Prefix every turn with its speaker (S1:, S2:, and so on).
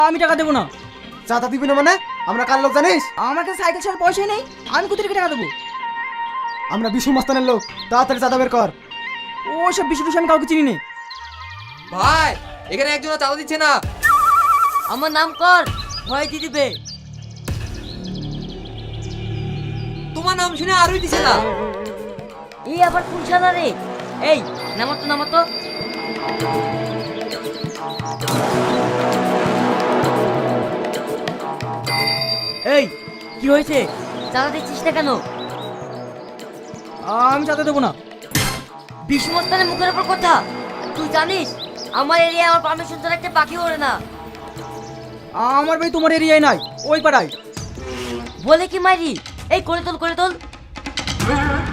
S1: আমি টাকা দেবো না।
S2: চাঁদা দিবি না মানে? আমরা কার লোক জানিস?
S1: আমার কাছে সাইকেল ছাড়া পয়সাই নেই, আমি কোথা থেকে টাকা দেবো?
S2: আমরা বিশু মাস্তানের লোক, তাড়াতাড়ি চাঁদা বের কর।
S1: ও সব বিশু টিশু আমি কাউকে চিনি না।
S3: ভাই এখানে একজন চাঁদা দিচ্ছে না।
S4: আমার নাম কর, ভয় দিয়ে দিবে।
S3: তোমার নাম শুনে আরোই দিছে না।
S4: এই আবার কোন শালা রে? এই নামাতো নামাতো। এই কি হয়েছে? চাঁদা দিচ্ছিস না কেন?
S1: আমি চাঁদা দেবো না।
S4: বিষ্ণুস্থানের মুখের উপর কথা। তুই জানিস আমার এরিয়া আমার পারমিশন ছাড়া একটা পাখি ওড়ে না।
S1: আমার ভাই তোমার এরিয়ায় নাই, ওই পাড়ায়।
S4: বলে কি মারি? এই করে তোল করে তোল।